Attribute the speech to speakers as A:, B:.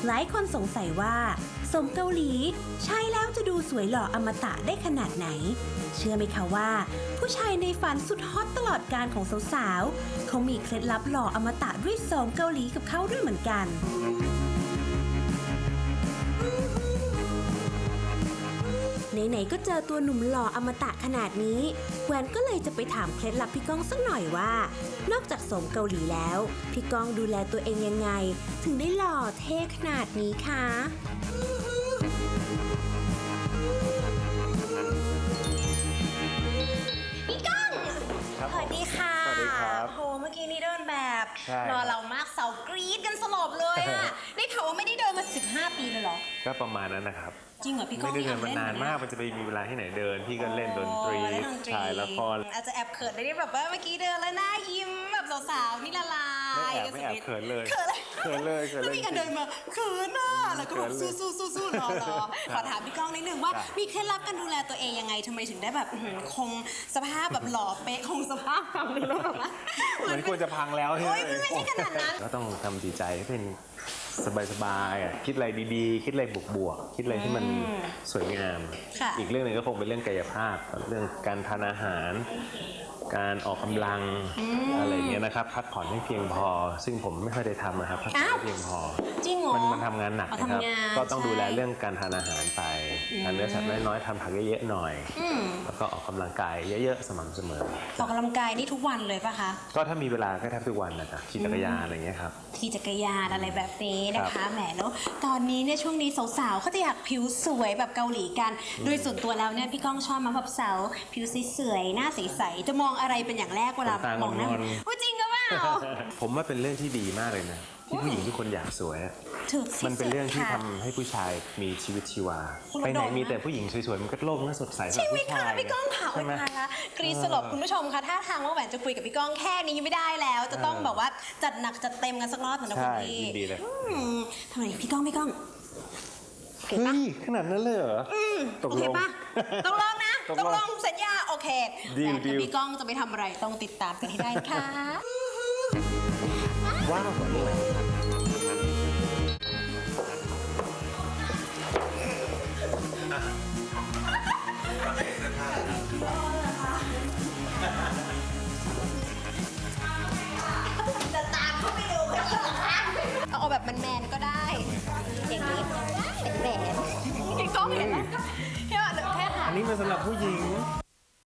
A: หลายคนสงสัยว่าสมเกาหลีใช้แล้วจะดูสวยหล่ออมตะได้ขนาดไหน เชื่อไหมคะว่า ผู้ชายในฝันสุดฮอตตลอดการของสาวๆเขามีเคล็ดลับหล่ออมตะด้วยสมเกาหลีกับเขาด้วยเหมือนกัน ไหนๆก็เจอตัวหนุ่มหล่ออมตะขนาดนี้แหวนก็เลยจะไปถามเคล็ดลับพี่ก้องสักหน่อยว่า นอกจากสมเกาหลีแล้วพี่ก้องดูแลตัวเองยังไง ถึงได้หล่อเท่ขนาดนี้คะ พี่ก้องสวัสดีค่ะ
B: สวัสดีครับ
A: โหเมื่อกี้นี่เดินแบบ
B: ใช่
A: รอเรามากเสากรี๊ดกันสลบเลยอะ ได้ข่าวว่าไม่ได้เดินมา15 ปีเลยเหรอ
B: ก็ประมาณนั้นนะครับ
A: จริงเหรอพี่ก้อง
B: ไม่ได้เดิน
A: อย
B: มานานมาก
A: เล่
B: มันจะไปมีเวลาที่ไหนเดิน พี่ก็เล่นดนตรี
A: เล่นดนตรี
B: ถ่ายละคร
A: อาจจะแอบเขินได้แบบว่าเมื่อกี้เดินแล้วหน้ายิ้มแบบสาวๆนี่ละลาย
B: ไม่แอบเขินเลย
A: เขินเลย
B: เขินเลยเขินเลย
A: แล้วมีการเดินมาเขินอ่ะแล้วก็แบบ
B: เขินเลย
A: สู้ๆรอขอถามพี่ก้องนิดนึงว่า
B: ครับ
A: มีเคล็ดลับการดูแลตัวเองยังไงทำไมถึงได้แบบคงสภาพแบบหล่อเป๊ะคงสภาพฟังดูแล้วแบบว่า
B: เหมือนควรจะพังแล้วใช่ไหม
A: โอ๊ยไม่ใช่ขนาดนั้น
B: ก็ต้องทำจิตใจให้เป็นสบายๆอ่ะคิดอะไรดีๆ คิดอะไรบวกๆคิดอะไรที่มันสวยงาม
A: ค่ะ
B: อีกเรื่องหนึ่งก็คงเป็นเรื่องกายภาพ เรื่องการทานอาหาร การออกกำลังอะไรอย่างเงี้ยนะครับ พักผ่อนให้เพียงพอ ซึ่งผมไม่ค่อยได้ทำนะครับพักผ่อนให้เพียงพอ
A: จริงเหรอ
B: มันทำงานหนัก
A: อ๋อ
B: นะครับ
A: ทำงาน
B: ก็ต้องดูแล
A: ใช่
B: เรื่องการทานอาหารไปทานเนื้อสัตว์น้อยๆทำผักเยอะๆหน่อย แล้วก็ออกกำลังกายเยอะๆสม่ำเสมอ
A: ออกกำลังกายนี่ทุกวันเลยปะคะ
B: ก็ถ้ามีเวลาก็แทบทุกวันนะครับขี่จักรยานอะไรเงี้ยครับ
A: ขี่จักรยานอะไรแบบนี้นะ
B: ครั
A: คะ
B: บ
A: แหมแล้วตอนนี้เนี่ยช่วงนี้สาวๆเขาจะอยากผิวสวยแบบเกาหลีกัน โดยส่วนตัวแล้วเนี่ยพี่ก้องชอบมาแบบสาวผิวสวยๆหน้าใสๆจะมองอะไรเป็นอย่างแรกเวลามองหน้าพูดจริงก็เปล่า
B: ผมว่าเป็นเรื่องที่ดีมากเลยนะที่ผู้หญิงทุกคนอยากสวยอะ
A: ถูกที่
B: มันเป็นเรื่องที่
A: สุด
B: ทำ
A: ค่ะ
B: ให้ผู้ชายมีชีวิตชีวา
A: คุณ
B: ไปไหน
A: โดมนะ
B: มีแต่ผู้หญิงสวยๆมันก็โลกน่าสดใสสำห
A: ใช่
B: รับ
A: ไหม
B: ผู้
A: คะ
B: ชาย
A: พี่ก้องค่ะ
B: ใช่ไหม
A: โอ๊ยตายละกรีดสลบคุณผู้ชมคะถ้าทางว่าแหวนจะคุยกับพี่ก้องแค่นี้ไม่ได้แล้ว จะต้องแบบว่าจัดหนักจัดเต็มกันสักรอบเหมือนนะคุ
B: ใช่
A: ณพี่
B: ยินดีเลย
A: ทำไมพี่ก้องเก่ง
B: เฮ้
A: ปะ
B: ยขนาดนั้นเลยเหรอตก
A: โอ
B: ล
A: เค
B: ง
A: ปะตกลงนะ
B: ตก
A: ต
B: ลง
A: กลงสัญญาโอเค
B: ดีล
A: แต่
B: ดีล
A: พี่ก้องจะไปทำอะไรต้องติดตามกันให้ได้นะคะ
B: ว้าวนี่แหละ
A: เ